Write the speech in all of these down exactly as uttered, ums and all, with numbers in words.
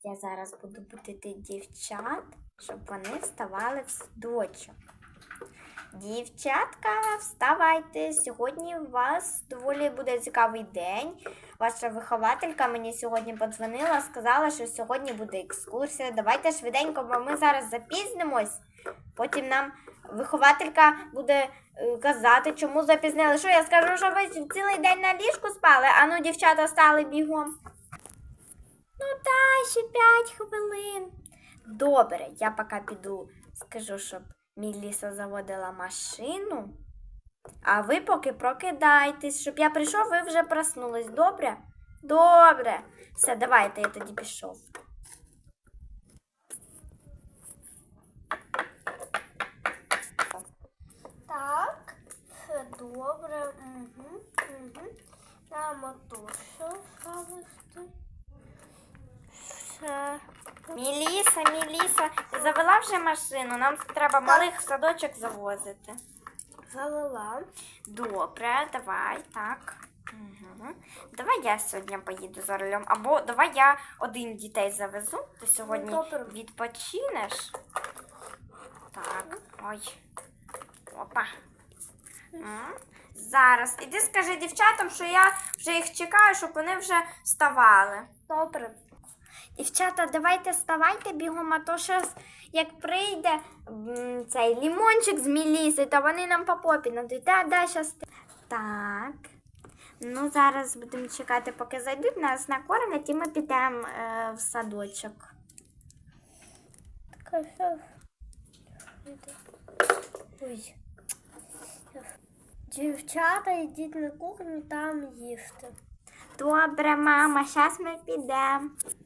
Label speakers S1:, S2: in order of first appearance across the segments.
S1: Я зараз буду будити дівчат, щоб вони вставали в садочок. Дівчатка, вставайте. Сьогодні у вас доволі буде цікавий день. Ваша вихователька мені сьогодні подзвонила, сказала, що сьогодні буде екскурсія. Давайте швиденько, бо ми зараз запізнимось. Потім нам вихователька буде е, казати, чому запізнили. Що я скажу, що ви цілий день на ліжку спали? А ну, дівчата, стали бігом. Ну та, ще п'ять хвилин. Добре, я поки піду, скажу, щоб Міліса заводила машину. А ви поки прокидайтесь, щоб я прийшов, ви вже проснулись. Добре? Добре. Все, давайте, я тоді пішов.
S2: Так, все добре. Угу, угу. Треба точно завести. Все.
S1: Міліса, Міліса, ти завела вже машину? Нам треба малих в садочок завозити.
S2: Завела.
S1: Добре, давай, так. Угу. Давай я сьогодні поїду за рулем. Або давай я один дітей завезу. Ти сьогодні
S2: Ну, добре.
S1: відпочинеш. Так, ой. Опа. М. Зараз. Іди скажи дівчатам, що я вже їх чекаю, щоб вони вже вставали.
S2: Добре.
S1: Дівчата, давайте вставайте бігом, а то щось, як прийде м, цей лімончик з Міліси, то вони нам по попі надуть. Да, да, щас. Так. Ну, зараз будемо чекати, поки зайдуть, нас накормлять, і ми підемо е, в садочок.
S2: Так, все. Ой. Дівчата, йдіть на кухню, там їсти.
S1: Добре, мама, зараз ми підемо.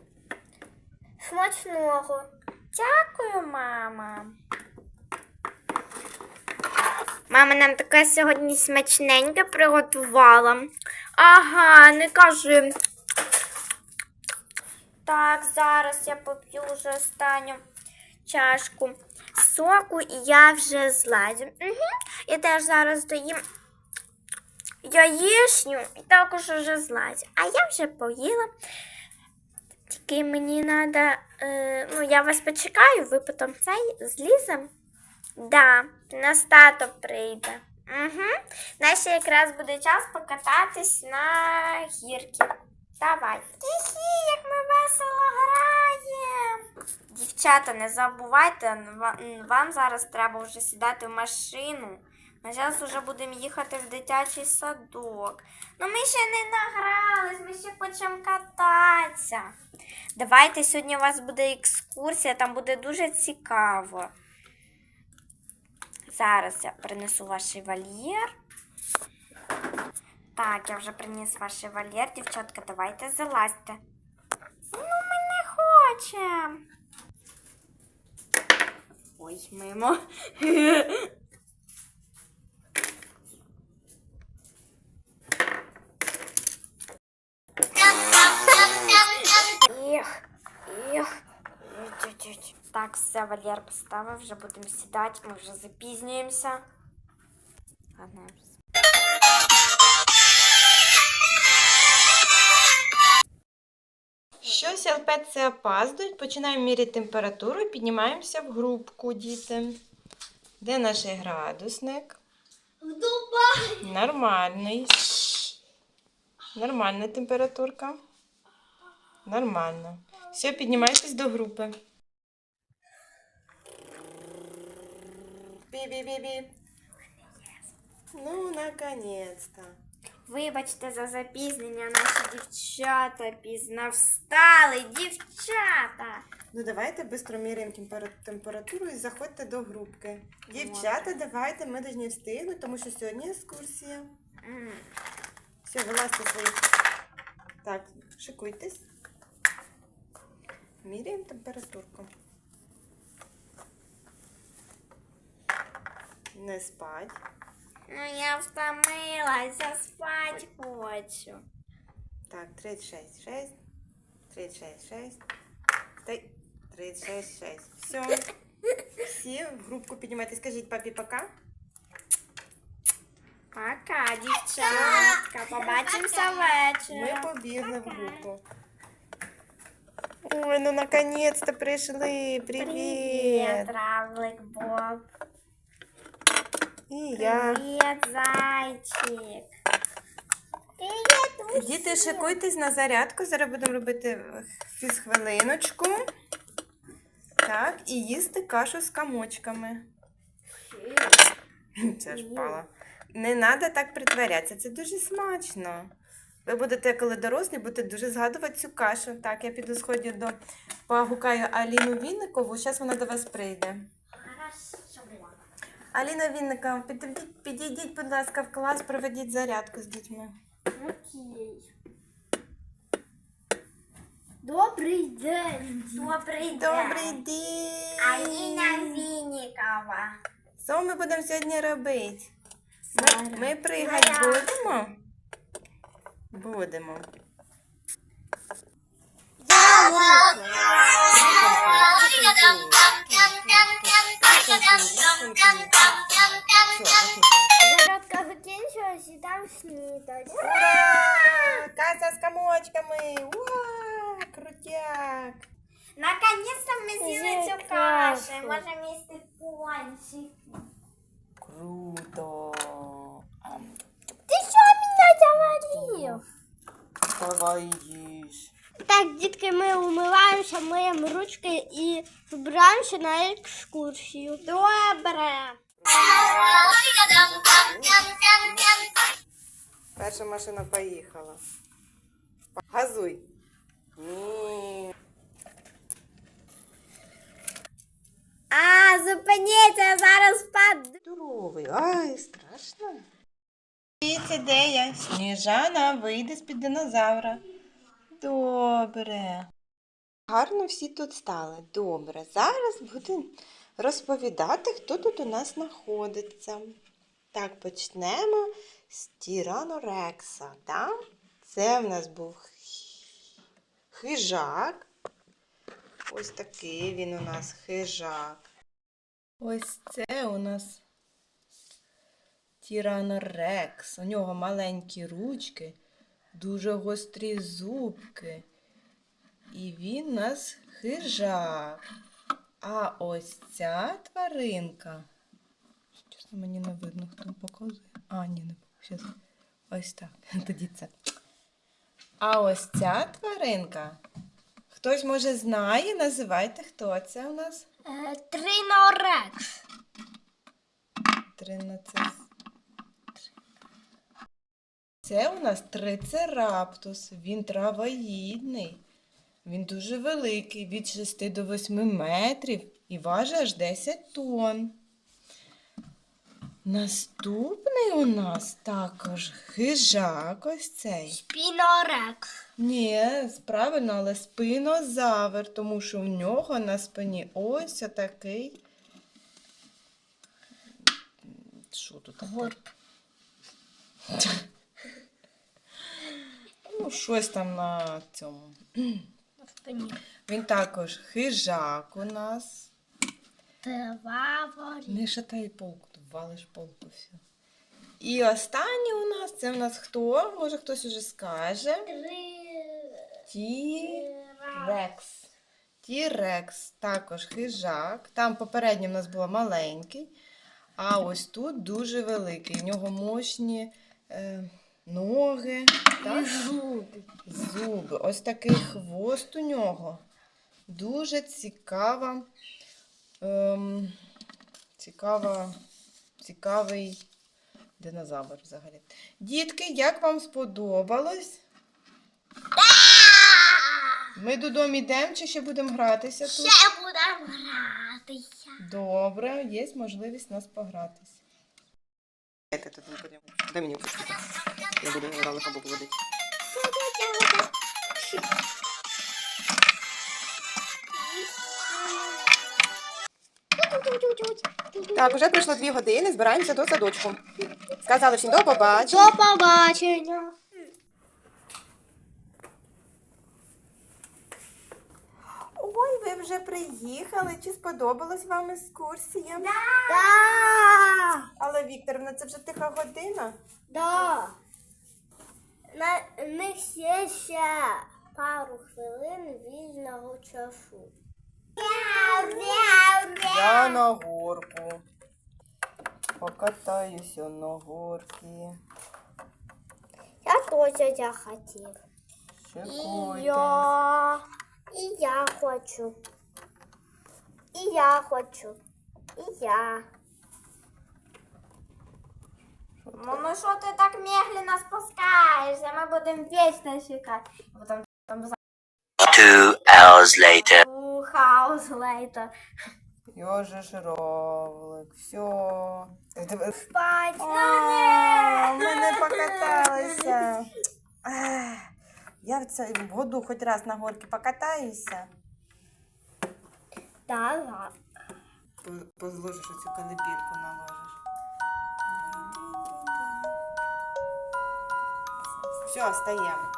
S2: Смачного.
S1: Дякую, мама. Мама нам таке сьогодні смачненьке приготувала. Ага, не кажи. Так, зараз я поп'ю вже останню чашку соку і я вже злазю. Угу. Я теж зараз доїм яєчню і також вже злазю. А я вже поїла. Тільки мені треба, е, ну, я вас почекаю, ви потім цей злізем. Да, нас тато прийде. Угу. Наші якраз буде час покататись на гірки. Давай. Хі-хі, як ми весело граємо. Дівчата, не забувайте, вам зараз треба вже сідати в машину. Ми зараз вже будемо їхати в дитячий садок. Ну ми ще не награлись, ми ще хочемо кататися. Давайте, сьогодні у вас буде екскурсія, там буде дуже цікаво. Зараз я принесу ваш вольєр. Так, я вже приніс ваш вольєр. Дівчатка, давайте залазьте. Ну, ми не хочемо. Ой, мимо. Ех, ех. Так, все, вольєр поставив, вже будемо сідати, ми вже запізнюємося. Ладно, я вже...
S3: Щось алпетці опаздують, починаємо міряти температуру і піднімаємося в групку, діти. Де наш градусник?
S2: В Дубаї.
S3: Нормальний. Нормальна температурка. Нормально. Все, піднімайтесь до групи. Бі-бі-бі-бі. Ну, наконец-то.
S1: Вибачте за запізнення, наші дівчата пізно встали. Дівчата!
S3: Ну, давайте швидко міряємо температуру і заходьте до групки. Дівчата, давайте, ми повинні встигнути, тому що сьогодні екскурсія.
S1: М.
S3: Все, вилазьте свої. Так, шикуйтесь. Міряємо температурку. Не спать.
S1: Ну я втомилася, спать хочу.
S3: Так, тридцять шесть, шесть. тридцять шесть, шесть. Стой. тридцять шесть, шесть. Все. Всі в групку піднімайте. Скажіть папі пока.
S1: Пока, дівчатка. Побачимося ввечері.
S3: Ми побігли в групу. Ой, ну наконец-то пришли. Привет.
S1: Равлик Боб.
S3: І я.
S1: Привіт, зайчик. Привіт,
S3: Діти, шикуйтесь на зарядку. Зараз будемо робити фізхвилиночку. Так, і їсти кашу з комочками. Це ж пала. Не треба так притворятися, це дуже смачно. Ви будете, коли дорослі, будете дуже згадувати цю кашу. Так, я піду сходю до погукаю Аліну Вінникову, зараз вона до вас прийде. Аліна Вінникова, підійдіть, підійдіть, будь ласка, в клас, проведіть зарядку з дітьми.
S2: Окей. Добрий день.
S1: Добрий день.
S3: Добрий день!
S1: Аліна Вінникова.
S3: Що ми будемо сьогодні робити? Ми, ми пригати будемо? Будемо.
S2: Зарядка закінчилась і там снідать.
S3: Ура! Каса з комочками! Ура! Крутяк!
S1: Наконец-то ми з'їли цю
S2: Кашу.
S1: кашу. Можемо їсти пончик.
S3: Круто! Ам,
S2: Ти що мене заварив?
S3: Давай їж.
S2: Так, дітки, ми умиваємося, миємо ручки і збираємося на екскурсію.
S1: Добре.
S3: Перша машина поїхала. Газуй. Ні.
S1: А, зупиніться, я зараз впаду.
S3: Здоровий. Ай, страшно. Дивіться, де я. Сніжана вийде з-під динозавра. Добре. Гарно всі тут стали. Добре. Зараз буду розповідати, хто тут у нас знаходиться. Так, почнемо з Тіранорекса. Так? Це в нас був хи- хижак. Ось такий він у нас хижак. Ось це у нас Тіранорекс. У нього маленькі ручки, дуже гострі зубки. І він у нас хижак. А ось ця тваринка. Чесно, мені не видно, хто показує. А, ні, не щас. Ось так. Тоді це. А ось ця тваринка. Хтось, може, знає? Називайте, хто це у нас?
S2: Тринорекс.
S3: Тринадцять. Це у нас трицераптус. Він травоїдний. Він дуже великий, від шести до восьми метрів і важить аж десять тонн. Наступний у нас також хижак ось цей.
S2: Спінорекс.
S3: Ні, правильно, але спинозавр, тому що в нього на спині ось отакий. Що тут таке?
S2: Горб.
S3: Ну, щось там на цьому.
S2: На спині.
S3: Він також хижак у нас.
S2: Трава.
S3: Не шатай полку, тут валиш полку все. І останній у нас, це у нас хто? Може хтось уже скаже? Ті-рекс. Ті-рекс, також хижак. Там попередньо в нас було маленький, а ось тут дуже великий. У нього мощні е, ноги. Так?
S2: Зуби.
S3: Зуби. Ось такий хвост у нього. Дуже цікава, ем, цікава, цікавий динозавр взагалі. Дітки, як вам сподобалось? Ми додому йдемо чи ще будемо гратися тут?
S2: Ще будемо гратися.
S3: Добре, є можливість нас погратися. Дай мені я буду равлика Бобу водити. Так, уже пройшло дві години, збираємося до садочку. Сказали всім до побачення.
S2: До побачення.
S3: Ой, ви вже приїхали. Чи сподобалась вам екскурсія?
S2: Да.
S3: Але, Вікторовна, це вже тиха година.
S2: Да. На них є ще пару хвилин вільного часу.
S3: Я на горку. Покатаюся на горці.
S2: Я теж я хотів. І
S3: Шикуйте.
S2: я. І я хочу. І я хочу. І я.
S1: Ну, ну що ти так медленно спускаєшся? Ми будемо вічно чекати. Потім там
S4: Two hours later.
S1: у хаос лейто.
S3: Я же ж ровлик. Все.
S2: Спать.
S3: Ми не покаталися. Ех, Я в цьому году хоч раз на горці покатаюся.
S2: Так.
S3: Позложиш оцю колибельку наложиш. Все, встаємо.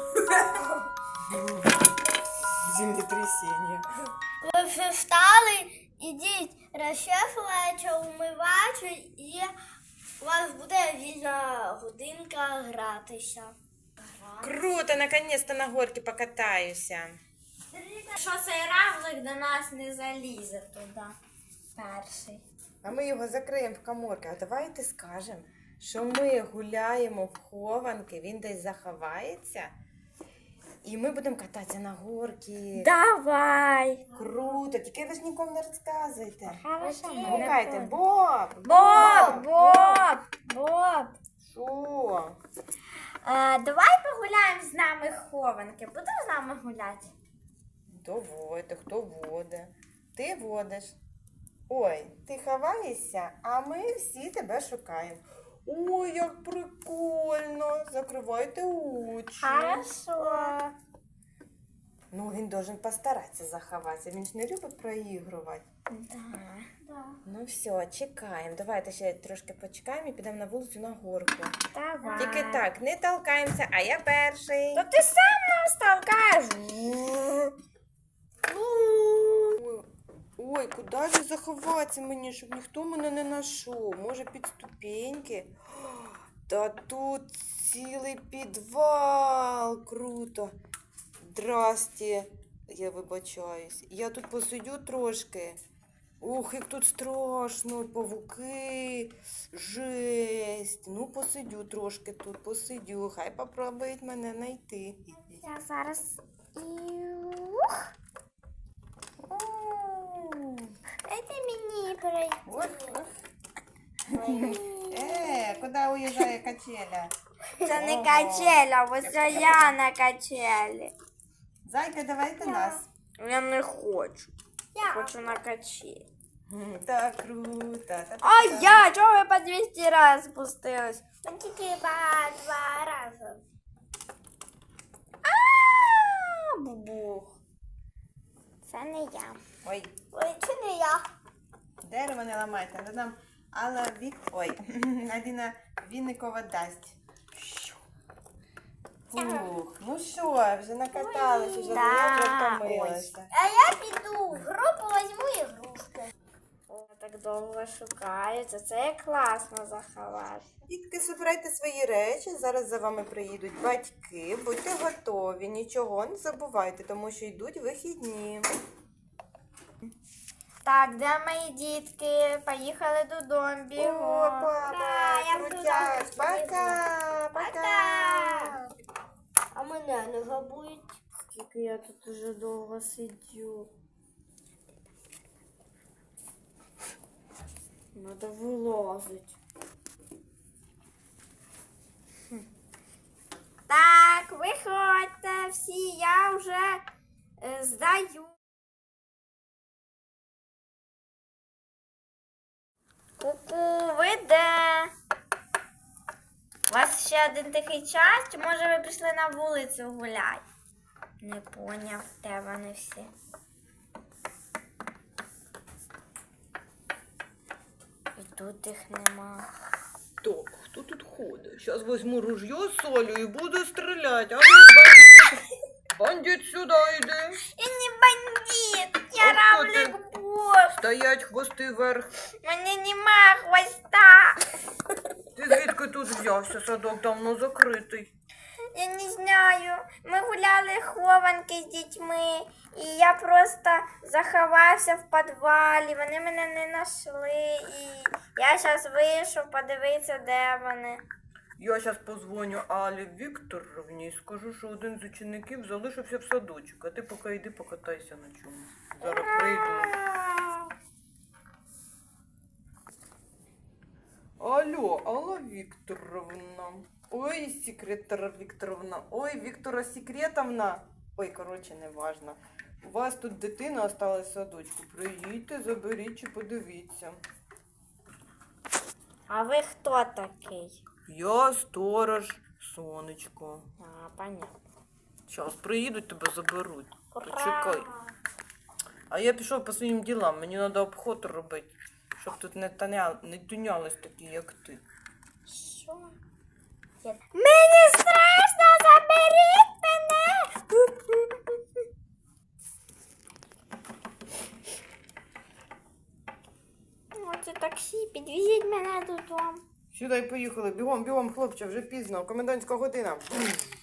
S3: Землетрясіння.
S2: Ви вже встали, ідіть, розчесуєте, умивачі і у вас буде вільна годинка гратися.
S3: Круто, наконец-то на горці покатаюся.
S1: Що цей равлик до нас не залізе туди. Перший.
S3: А ми його закриємо в каморці. А давайте скажемо, що ми гуляємо в хованки, він десь заховається. І ми будемо кататися на горці.
S1: Давай.
S3: Круто, тільки ви ж нікому не розказуйте.
S1: Хорошо.
S3: Гукайте, Боб!
S1: Боб, Боб, Боб.
S3: Що?
S1: Е, давай погуляємо з нами хованки. Будеш з нами гуляти?
S3: Давайте, хто воде? Ти водиш. Ой, ти ховаєшся, а ми всі тебе шукаємо. Ой, як прикольно. Закривайте очі.
S1: Хорошо.
S3: Ну, він должен постаратися заховатися. Він ж не любить проігрувати.
S1: Да.
S3: Ну все, чекаємо. Давайте ще трошки почекаємо і підемо на вулицю на горку.
S1: Давай.
S3: Тільки так, не толкаємося, а я перший.
S1: То ти сам нас толкаєш.
S3: Ой, ой, куди ж заховатися мені, щоб ніхто мене не знайшов? Може, під ступеньки? Та тут цілий підвал. Круто. Здрасте. Я вибачаюсь. Я тут посидю трошки. Ух, як тут страшно. Павуки. Жесть. Ну, посидю трошки тут, посидю. Хай попробують мене знайти.
S1: Я зараз. Ух.
S2: Дайте мені пройти.
S3: Е, куди уїжджає качеля?
S1: Це не качеля, ось це я на качелі.
S3: Зайка, давайте нас.
S1: Я не хочу.
S2: Я.
S1: Хочу на качелі.
S3: М, Так круто. Та-
S1: А я, чого ви по двісті раз спустились?
S2: Ми тільки по два рази.
S1: А, бубух. Це не я.
S3: Ой,
S2: Ой, це не я.
S3: дерево не ламайте. Ну, нам Алла Вік... Ой, Аліна Вінникова дасть. Фух, ну що, вже накаталися, вже
S1: Да,
S3: я вже втомилася.
S2: А я піду в групу, візьму ігрушки.
S1: Я так довго шукаю, це це я класно заховати.
S3: Дітки, збирайте свої речі, зараз за вами приїдуть батьки, будьте готові, нічого не забувайте, тому що йдуть вихідні.
S1: Так, де мої дітки? Поїхали додому,
S3: О,
S1: бігом.
S3: папа,
S2: я буду
S3: крутяк,
S2: завтра
S3: пока, пока.
S2: А мене не забудь.
S1: Скільки я тут уже довго сидю. Надо вилазить. Хм. Так, виходьте всі, я вже е, здаю. Ку-ку, ви де? У вас ще один такий час, чи може ви прийшли на вулицю гуляти? Не поняв, де вони всі. І тут їх нема.
S3: Так, хто тут ходить? Зараз візьму ружье з солью і буду стріляти. А ну, бандит, бандит сюди йди.
S1: Я не бандит, я
S3: А хто ти?
S1: равлик босс.
S3: Стоять хвости вверх.
S1: У мене нема хвоста.
S3: Ти звідки тут взявся? Садок давно закритий.
S1: Я не знаю. Ми гуляли хованки з дітьми, і я просто заховався в підвалі. Вони мене не знайшли. І я зараз вийшов подивитися, де вони.
S3: Я зараз позвоню Алі Вікторовні і скажу, що один з учеників залишився в садочку, а ти поки йди покатайся на чомусь. Зараз прийду. Алло, Алла Вікторовна. Ой, секретара Вікторовна. Ой, Віктора Секретовна. Ой, коротше, не важно. У вас тут дитина осталась в садочку. Приїдьте, заберіть чи подивіться.
S1: А ви хто такий?
S3: Я сторож, сонечко.
S1: А, понятно.
S3: Зараз приїдуть, тебе заберуть. Почекай. А я пішов по своїм ділам, мені треба обход робити, щоб тут не, таня... не тунялись такі, як ти.
S1: Що? Я... Мені страшно, заберіть мене! Оце таксі, підвезіть мене додому.
S3: Сюди поїхали, бігом, бігом, хлопче, вже пізно, комендантська година.